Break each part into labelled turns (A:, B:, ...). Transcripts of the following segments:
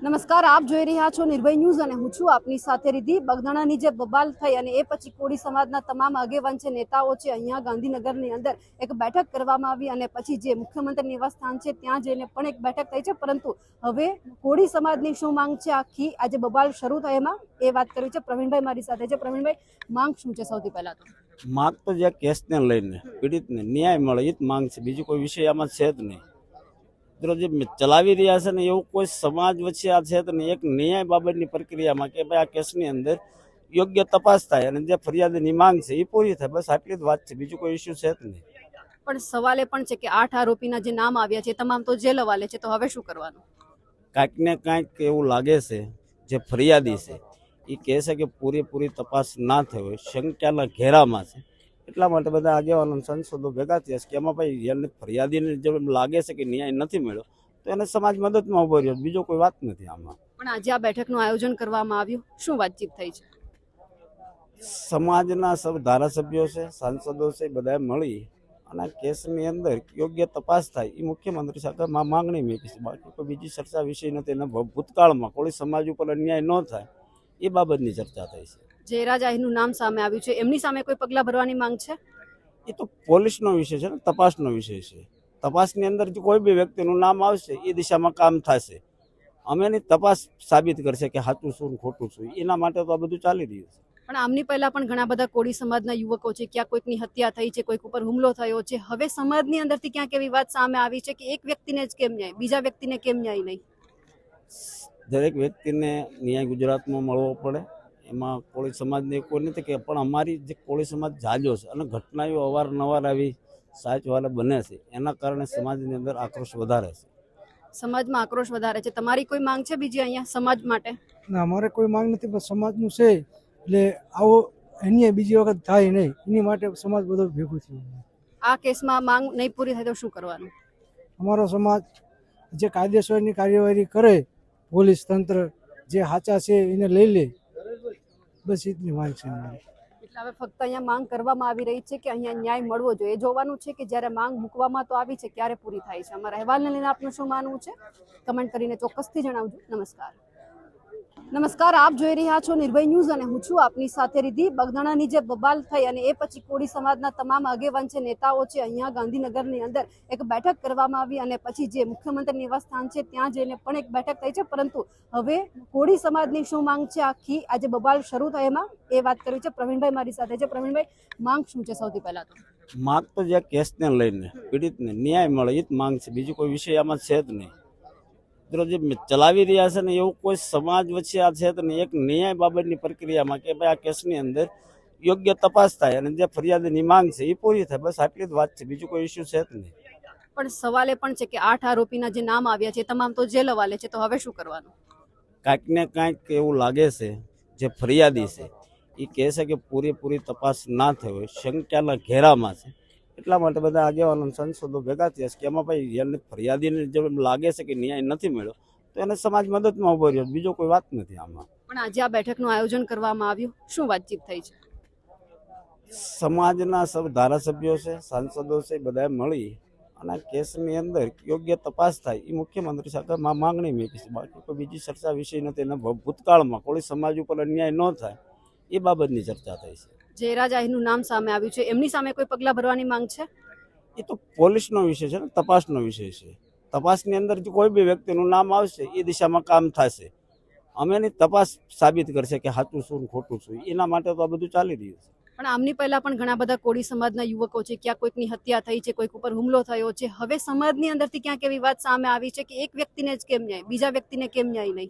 A: નમસ્કાર, આપ જોઈ રહ્યા છો નિર્ભય ન્યૂઝ અને હું છું આપની સાથે રિધિ. બગદાણાની જે બબાલ થઈ અને એ પછી કોળી સમાજના તમામ આગેવાન છે, નેતાઓ છે, અહીંયા ગાંધીનગરની અંદર એક બેઠક કરવામાં આવી અને પછી જે મુખ્યમંત્રી નિવાસસ્થાન છે ત્યાં જઈને પણ એક બેઠક થઈ છે. પરંતુ હવે કોળી સમાજની શું માંગ છે, આખી આજે બબાલ શરૂ થાય એમાં એ વાત કરવી છે. પ્રવીણભાઈ મારી સાથે છે. પ્રવીણભાઈ, માંગ શું છે? સૌથી પહેલા તો
B: માંગ તો જે કેસને લઈને પીડિતને ન્યાય મળે એ જ માંગ છે, બીજું કોઈ વિષય આમાં છે જ નહીં. જે ચલાવી રહ્યા છે ને એવું કોઈ સમાજ વચ્ચે આ છે ને એક ન્યાય બાબતની પ્રક્રિયામાં કે ભાઈ આ કેસની અંદર યોગ્ય તપાસ થાય અને જે ફરિયાદની માંગ છે એ પૂરી થાય, બસ આટલી જ વાત છે, બીજું કોઈ ઇસ્યુ છે જ નહીં.
A: પણ સવાલ એ પણ છે કે 8 આરોપીના જે નામ આવ્યા છે તમામ તો જેલ હવાલે છે, તો હવે શું કરવાનું?
B: કાંઈક ને કાંઈક એવું લાગે છે, જે ફરિયાદી છે એ કહે છે કે પૂરેપૂરી તપાસ ના થઈ હોય, શંકાના ઘેરામાં છે. એટલા માટે બધા આગેવાનો સંસદો ભેગા થયા છે કે એમાં ભાઈ એને ફરિયાદીને જો લાગે છે કે ન્યાય નથી મળ્યો તો એને સમાજ મદદમાં ઉભો રહ્યો, બીજો કોઈ વાત નથી આમાં.
A: પણ આજે આ બેઠકનું આયોજન કરવામાં આવ્યું, શું વાતચીત થઈ છે?
B: સમાજના સૌ ધારાસભ્યો છે, સાંસદો છે, બધાએ મળી અને આ કેસની અંદર યોગ્ય તપાસ થાય એ મુખ્યમંત્રી સાથે માંગણી મૂકી છે. બાકી કોઈ બીજી ચર્ચા વિષય નથી. એના ભૂતકાળમાં કોઈ સમાજ ઉપર અન્યાય ન થાય એ બાબતની ચર્ચા થઈ છે.
A: જયરાજ આહીરનું નામ સામે આવ્યું છે, એમની સામે કોઈ પગલાં ભરવાની માંગ છે?
B: એ તો પોલીસનો વિષય છે ને, તપાસનો વિષય છે. તપાસની અંદર જો કોઈ બી વ્યક્તિનું નામ આવશે એ દિશામાં કામ થશે. અમે એની તપાસ સાબિત કરશે કે સાચું શું ખોટું શું, એના માટે તો આ બધું ચાલી રહ્યું છે.
A: પણ આમની પહેલા પણ ઘણા બધા કોળી સમાજના યુવકો છે, ક્યાં કોઈકની હત્યા થઈ છે, કોઈક ઉપર હુમલો થયો છે. હવે સમાજની અંદરથી ક્યાંક એવી વાત સામે આવી છે કે એક વ્યક્તિને જ કેમ ન્યાય, બીજા વ્યક્તિને કેમ ન્યાય નહીં?
B: દરેક વ્યક્તિને ન્યાય ગુજરાતમાં મળવો પડે, એમાં કોળી સમાજને કોઈ નથી કે, પણ અમારી જે કોળી સમાજ જાજો છે અને ઘટનાઓ અવારનવાર આવી સાચવાલે બને છે, એના કારણે સમાજની અંદર આક્રોશ વધારે છે.
A: સમાજમાં આક્રોશ વધારે છે. તમારી કોઈ માંગ છે બીજી અહીંયા સમાજ માટે?
C: ના, અમારે કોઈ માંગ નથી, બસ સમાજનું છે એટલે આવો અન્ય બીજી વખત થાય નહીં એની માટે સમાજ બધો ભેગું થયું.
A: આ કેસમાં માંગ નહીં પૂરી થાય તો શું કરવાનું?
C: અમારો સમાજ જે કાયદેસરની કાર્યવાહી કરે, પોલીસ તંત્ર જે સાચા છે એને લઈ લે, બસ એટલી માંગ છે અમારી.
A: એટલે હવે ફક્ત અહીંયા માંગ કરવામાં આવી રહી છે કે અહીંયા ન્યાય મળવો જોઈએ. એ જોવાનું છે કે જ્યારે માંગ મૂકવામાં તો આવી છે ક્યારે પૂરી થાય છે. અમારા અહેવાલને લઈને આપનું શું માનવું છે કમેન્ટ કરીને ચોક્કસથી જણાવજો. નમસ્કાર, આપ જોઈ રહ્યા છો નિર્ભય ન્યૂઝ અને હું છું આપની સાથે રિધિ. બગદાણાની જે બબાલ થઈ અને એ પછી કોળી સમાજના તમામ આગેવાન છે, નેતાઓ છે, અહીંયા ગાંધીનગરની અંદર એક બેઠક કરવામાં આવી અને પછી જે મુખ્યમંત્રી નિવાસસ્થાન છે ત્યાં જઈને પણ એક બેઠક થઈ છે. પરંતુ હવે કોળી સમાજની શું માંગ છે, આખી આજે બબાલ શરૂ થાય એમાં એ વાત કરવી છે. પ્રવીણભાઈ મારી સાથે છે. પ્રવીણભાઈ, માંગ શું છે? સૌથી પહેલા તો
B: માંગ તો જે કેસને લઈને પીડિતને ન્યાય મળે એ જ માંગ છે, બીજું કોઈ વિષય આમાં છે જ નહીં. જે ચલાવી રહ્યા છે ને એવું કોઈ સમાજ વચ્ચે આ છે ને એક ન્યાય બાબતની પ્રક્રિયામાં કે ભાઈ આ કેસની અંદર યોગ્ય તપાસ થાય અને જે ફરિયાદની માંગ છે એ પૂરી થાય, બસ આટલી જ વાત છે, બીજું કોઈ ઇસ્યુ છે જ નહીં.
A: પણ સવાલ એ પણ છે કે 8 આરોપીના જે નામ આવ્યા છે તમામ તો જેલ હવાલે છે, તો હવે શું કરવાનું?
B: કાંઈક ને કાંઈક એવું લાગે છે, જે ફરિયાદી છે એ કહે છે કે પૂરેપૂરી તપાસ ના થઈ હોય, શંકાના ઘેરામાં છે. એટલા માટે બધા આગેવાનો સંસદો ભેગા થયા છે કે એમાં ભાઈ એને ફરિયાદીને જો લાગે છે કે ન્યાય નથી મળ્યો તો એને સમાજ મદદમાં ઉભો રહ્યો, બીજો કોઈ વાત નથી આમાં.
A: પણ આજે આ બેઠકનું આયોજન કરવામાં આવ્યું, શું વાતચીત થઈ છે?
B: સમાજના સૌ ધારાસભ્યો છે, સાંસદો છે, બધાએ મળી અને આ કેસની અંદર યોગ્ય તપાસ થાય એ મુખ્યમંત્રી સાથે માંગણી મૂકી છે. બાકી કોઈ બીજી ચર્ચા વિષય નથી. એના ભૂતકાળમાં કોઈ સમાજ ઉપર અન્યાય ન થાય એ બાબતની ચર્ચા થઈ છે.
A: જયરાજ આહીરનું નામ સામે આવ્યું છે, એમની સામે કોઈ પગલાં ભરવાની માંગ છે?
B: એ તો પોલીસનો વિષય છે ને, તપાસનો વિષય છે. તપાસની અંદર જો કોઈ બી વ્યક્તિનું નામ આવશે એ દિશામાં કામ થશે. અમે એની તપાસ સાબિત કરશે કે સાચું શું ખોટું શું, એના માટે તો આ બધું ચાલી રહ્યું છે.
A: પણ આમની પહેલા પણ ઘણા બધા કોળી સમાજના યુવકો છે, ક્યાં કોઈકની હત્યા થઈ છે, કોઈક ઉપર હુમલો થયો છે. હવે સમાજની અંદરથી ક્યાંક એવી વાત સામે આવી છે કે એક વ્યક્તિને જ કેમ ન્યાય, બીજા વ્યક્તિને કેમ ન્યાય નહીં?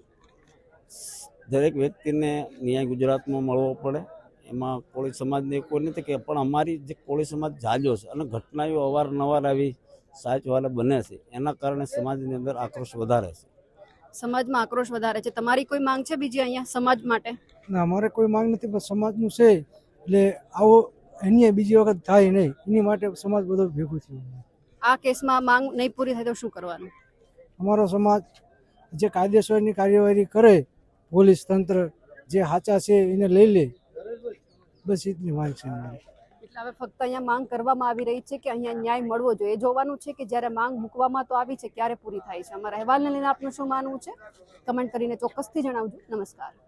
B: દરેક વ્યક્તિને ન્યાય ગુજરાતમાં મળવો પડે, એમાં કોળી સમાજને કોઈ નથી કે, પણ અમારી જે કોળી સમાજ જાજો છે અને ઘટનાઓ અવારનવાર આવી સાચવાલે બને છે, એના કારણે સમાજની અંદર આક્રોશ વધારે છે.
A: સમાજમાં આક્રોશ વધારે છે. તમારી કોઈ માંગ છે બીજી અહીંયા સમાજ માટે?
C: ના, અમારે કોઈ માંગ નથી, બસ સમાજનું છે એટલે આવો અન્ય બીજી વખત થાય નહીં એની માટે સમાજ બધો ભેગું થયું.
A: આ કેસમાં માંગ નહીં પૂરી થાય તો શું કરવાનું?
C: અમારો સમાજ જે કાયદેસરની કાર્યવાહી કરે, પોલીસ તંત્ર જે સાચા છે એને લઈ લે, બસ એટલી માંગ છે અમારી.
A: હવે ફક્ત અહીંયા માંગ કરવામાં આવી રહી છે કે અહીંયા ન્યાય મળવો જોઈએ. એ જોવાનું છે કે જ્યારે માંગ મૂકવામાં તો આવી છે ક્યારે પૂરી થાય છે. અમારા અહેવાલને લઈને આપનું શું માનવું છે કમેન્ટ કરીને ચોક્કસથી જણાવજો. નમસ્કાર.